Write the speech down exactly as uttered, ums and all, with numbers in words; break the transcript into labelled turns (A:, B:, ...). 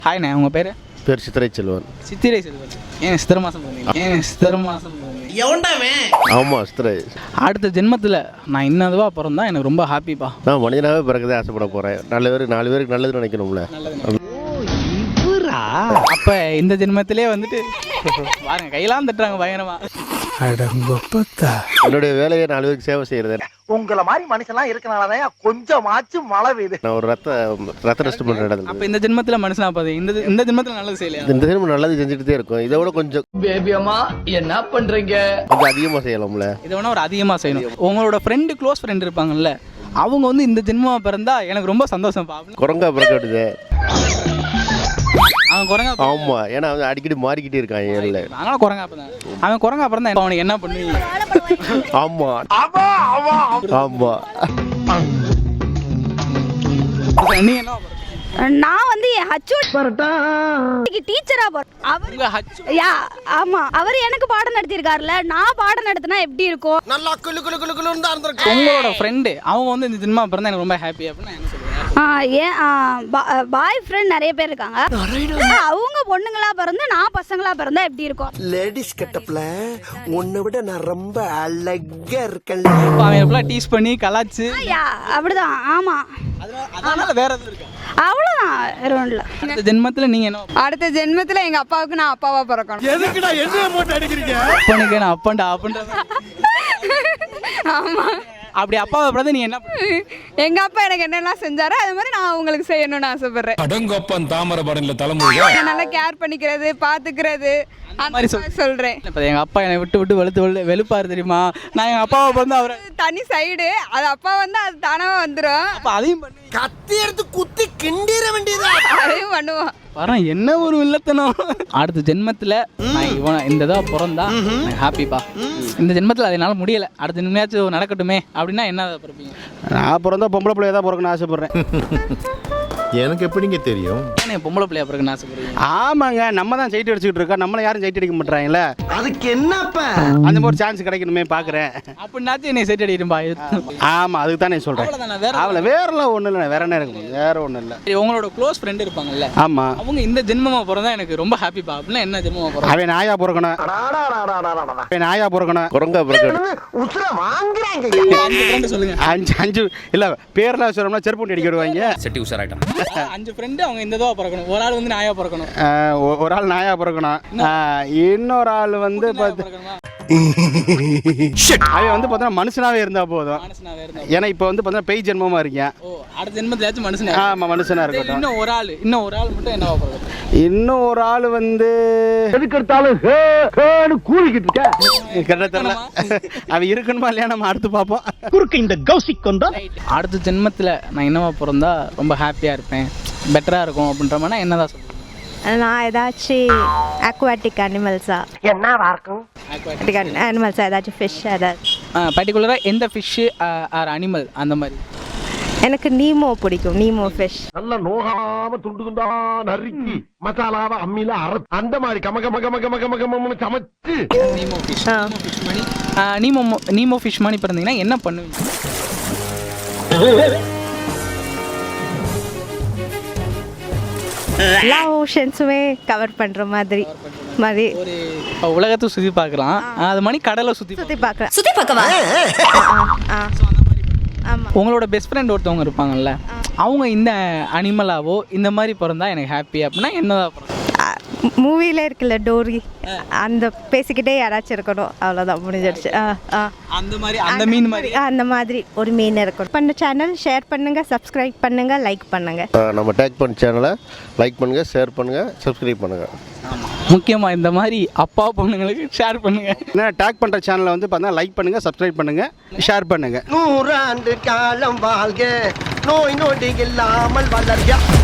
A: ஹாய்ண்ணே, உங்கள் பேர்?
B: பேர் சித்திரை செல்வன்.
A: சித்திரை செல்வன். ஏன் சித்திரை மாதம் போனீங்க? ஏன் சித்திரை மாதம் போனீங்க?
C: எவன்டாவே?
B: ஆமாம், சித்திரை.
A: அடுத்த ஜென்மத்தில் நான் இன்னதுவா பிறந்தா எனக்கு ரொம்ப ஹாப்பிப்பா.
B: நான் மனிதனாகவே பிறகுதே ஆசைப்பட போகிறேன். நல்ல பேர் நாலு பேருக்கு நல்லது நினைக்கணும்ல.
A: அப்போ இந்த ஜென்மத்திலே வந்துட்டு பாருங்க கையெல்லாம் தட்டுறாங்க பயங்கரமா.
B: என்னுடைய வேலையை நாலு பேருக்கு சேவை செய்யறது.
C: உங்களை மாதிரி மனுஷன்லாம் இருக்கனாலதான் கொஞ்சமாச்சும் மழை பெய்யுது.
B: நான் ஒரு ரத்த ரத்த டெஸ்ட் பண்ணுற இடத்துல.
A: அப்போ இந்த ஜென்மத்தில் மனுஷனா பார்த்து இந்த இந்த ஜென்மத்தில் நல்லது செய்யலையா?
B: இந்த ஜென்மம் நல்லது செஞ்சுட்டு இருக்கும். இதை விட கொஞ்சம்
C: பேபியம்மா என்ன பண்றீங்க?
B: கொஞ்சம் அதிகமாக செய்யலாம்ல.
A: இதை வேணா ஒரு அதிகமாக செய்யணும். உங்களோட ஃப்ரெண்டு க்ளோஸ் ஃப்ரெண்ட் இருப்பாங்கல்ல, அவங்க வந்து இந்த ஜென்மமா பிறந்தா எனக்கு ரொம்ப சந்தோஷம் பா.
B: குரங்கா பிறக்க விடுது
A: அவன் குரங்கா.
B: ஆமா, ஏன்னா அவன் அடிக்கடி மாறிக்கிட்டே இருக்கான். ஏன்ல
A: அதனால குரங்கா பிறந்தான். அவன் குரங்கா பிறந்தா அவனுக்கு என்ன பண்ணுவீங்க?
B: ஆமா ஆமா.
A: நீங்க என்ன?
D: நான் வந்து டீச்சரா யா ஆமா அவர் எனக்கு பாடம் நடத்திருக்காருல, நான் பாடம் நடத்தினா எப்படி இருக்கும்?
C: நல்லா குளு குளு குளு குளுன்னு தான் இருந்திருக்கு.
A: உங்களோட ஃப்ரெண்டு அவங்க வந்து இந்த ஜென்மா பிறந்தா எனக்கு ரொம்ப ஹாப்பி அப்படின்னு என்ன சொல்லுவேன்?
D: ஏன் பாய் ஃப்ரெண்ட் நிறைய பேர் இருக்காங்க. அவங்க பொண்ணுங்களா பிறந்து நான் பசங்களா பிறந்தா எப்படி இருக்கும்?
C: லேடிஸ் கெட்டப்ல உன்னை விட நான் ரொம்ப அழகா இருக்கேன்.
A: அவன் எப்பலாம் டீஸ் பண்ணி கலாச்சு.
D: யா அப்படிதான். ஆமா,
A: அதனால வேற எதுவும் இருக்கு?
D: அவ்வளவுதான், வேற ஒன்றும் இல்லை.
A: அடுத்த ஜென்மத்துல நீங்க என்ன?
E: அடுத்த ஜென்மத்துல எங்க அப்பாவுக்கு நான் அப்பாவா பிறக்கணும்.
C: எதுக்குடா என்ன போட்டு அடிக்கிறீங்க?
A: அப்பனுக்கு நான் அப்பன்டா அப்படின்ற.
E: ஆமா,
A: அப்படி அப்பாவை பிறந்து நீ என்ன?
E: எங்க அப்பா எனக்கு என்னெல்லாம் செஞ்சாரோ அது மாதிரி நான் உங்களுக்கு செய்யணும்னு ஆசைப்படுறேன்.
F: அடங்கப்பன் தாமரபரணில தலைமுறை
E: நல்லா கேர் பண்ணிக்கிறது, பாத்துக்கிறது அந்த மாதிரி சொல்றேன்.
A: இப்போ எங்க அப்பா என்னை விட்டு விட்டு வெளுத்து வெளு வெளுப்பாரு தெரியுமா? நான் எங்க அப்பாவை பிறந்து அவரை
E: தனி சைடு, அது அப்பா வந்து அது தானாக வந்துடும்.
A: அப்போ அதையும் பண்ணி
C: கத்தி எடுத்து குத்தி கிண்டிர வேண்டியதா?
E: அதையும் பண்ணுவோம்.
A: வரேன் என்ன ஒரு வில்லத்தனம். அடுத்த ஜென்மத்தில் நான் இவன் இந்த இதாக பிறந்தா ஹாப்பிப்பா. இந்த ஜென்மத்தில் அது என்னால் முடியலை, அடுத்த ஜென்மையாச்சும் நடக்கட்டுமே அப்படின்னா என்ன பிறப்பீங்க?
B: நான் பிறந்தா பொம்பளை பிள்ளைய தான் பிறக்கணும்னு ஆசைப்படுறேன்.
G: எனக்கு எப்படிங்க தெரியும்?
A: ஏன்னா பொம்பளை பிள்ளையா பிறகுன்னு ஆசைப்படுறீங்க?
B: ஆமாங்க, நம்ம தான் சைட் அடிச்சுக்கிட்டு இருக்கோம். நம்மளை யாரும் சைட் அடிக்க மாட்டாங்களே.
C: அதுக்கு என்னப்ப
B: அந்த மாதிரி சான்ஸ் கிடைக்கணுமே பார்க்குறேன்.
A: அப்படின்னாச்சும் என்னை செட் அடிடும்பா.
B: ஆமாம், அதுக்கு தான் நான் சொல்கிறேன். அவளை வேறெல்லாம் ஒன்றும் இல்லை, வேற என்ன இருக்கும்? வேற ஒன்றும் இல்லை.
A: உங்களோட க்ளோஸ் ஃப்ரெண்ட் இருப்பாங்கல்ல,
B: ஆமாம்,
A: அவங்க இந்த ஜென்மமாக பிறந்தா எனக்கு ரொம்ப ஹாப்பிப்பா அப்படின்னா என்ன ஜென்மமாக பிறந்தா?
B: அவன் நாயா பிறக்கணும். அவன் நாயா பிறக்கணும். குரங்கா பிறக்கணும்.
C: உசுர வாங்குறாங்க.
A: அஞ்சு ஃப்ரெண்டு சொல்லுங்க.
B: அஞ்சு அஞ்சு இல்லை, பேர்லாம் சொல்லணும்னா செருப்பு அடிக்க விடுவாங்க.
F: செட்டி உஷாராயிட்டான்.
A: அஞ்சு ஃப்ரெண்டு அவங்க இந்த இதுவாக பிறக்கணும். ஒரு ஆள் வந்து நாயா பிறக்கணும்.
B: ஒரு ஆள் நாயா பிறக்கணும். இன்னொரு ஆள் வந்து பார்த்து அவன் வந்து பார்த்தா மனுஷனாவே இருந்தா போதும். ஏன்னா இப்போ வந்து பார்த்தா பேய் ஜென்மமா இருக்கேன்.
A: அடுத்த ஜென்மத்திலாச்சும் மனுஷனா?
B: ஆமா, மனுஷனா இருக்கட்டும்.
A: இன்னும் ஒரு ஆள் இன்னும் ஒரு ஆள் மட்டும் என்னவா பிறக்கணும்?
B: இன்னும் ஒரு ஆள் வந்து
C: எதுக்கு எடுத்தாலும் கூலிக்கிட்டு இருக்க.
B: கரெக்டா தெரியல. அவன் இருக்கணுமா இல்லையா நம்ம அடுத்து பார்ப்போம்.
C: குறுக்கு இந்த கௌசிக் கொண்டா
A: அடுத்த ஜென்மத்தில் நான் என்னவா பிறந்தா ரொம்ப ஹாப்பியாக இருப்பேன், பெட்டராக இருக்கும் அப்படின்ற மாதிரி என்னதான் சொல்லுவேன்?
H: நான் ஏதாச்சும் அக்வாட்டிக் அனிமல்ஸா
C: என்னவா இருக்கும்?
H: அக்வாட்டிக் அனிமல்ஸா ஏதாச்சும் ஃபிஷ் ஏதாச்சும்
A: பர்டிகுலராக எந்த ஃபிஷ்ஷு ஆர் அனிமல் அந்த மாதிரி?
H: எனக்கு நீமோ பிடிக்கும். நீமோ ஃபிஷ்
C: நல்ல நோகாம துண்டு துண்டா நறுக்கி மசாலாவை அம்மியில அரை அந்த மாதிரி கம கம கம கம கம கம சமைச்சு.
A: நீமோ ஃபிஷ் ஃபிஷ் மணி நீமோ நீமோ ஃபிஷ் மணி பிறந்தீங்கன்னா என்ன பண்ணுவீங்க?
H: எல்லா ஓஷன்ஸுமே கவர் பண்ற மாதிரி மாதிரி
A: ஒரு உலகத்தை சுற்றி பார்க்கலாம். அது மணி கடலை சுற்றி
H: சுற்றி பார்க்கலாம்.
D: சுத்தி பார்க்கவா?
H: ஆமாம்.
A: உங்களோட பெஸ்ட் ஃப்ரெண்ட் ஒருத்தவங்க இருப்பாங்கல்ல, அவங்க இந்த அனிமலாவோ இந்த மாதிரி பிறந்தா எனக்கு ஹாப்பி அப்படின்னா என்னதான் பிறந்தா?
H: மூவில இருக்குல்ல டோரி, அந்த பேசிக்கிட்டே யாராச்சும் இருக்கணும், அவ்வளோதான், முடிஞ்சிடுச்சு.
A: அந்த மாதிரி அந்த மீன் மாதிரி
H: அந்த மாதிரி ஒரு மீன் இருக்கணும். பண்ண சேனல் ஷேர் பண்ணுங்க, சப்ஸ்கிரைப் பண்ணுங்க, லைக் பண்ணுங்க.
B: நம்ம டேக் பண்ண சேனலை லைக் பண்ணுங்க, ஷேர் பண்ணுங்க, சப்ஸ்கிரைப் பண்ணுங்க.
A: முக்கியமாக இந்த மாதிரி அப்பா பொண்ணுங்களுக்கு ஷேர் பண்ணுங்க.
B: ஏன்னா டேக் பண்ணுற சேனலை வந்து பார்த்தா லைக் பண்ணுங்க, சப்ஸ்கிரைப் பண்ணுங்க, ஷேர் பண்ணுங்க.
C: நூறாண்டு காலம் வாழ்க, நோய் நொடி இல்லாமல் வளர்க.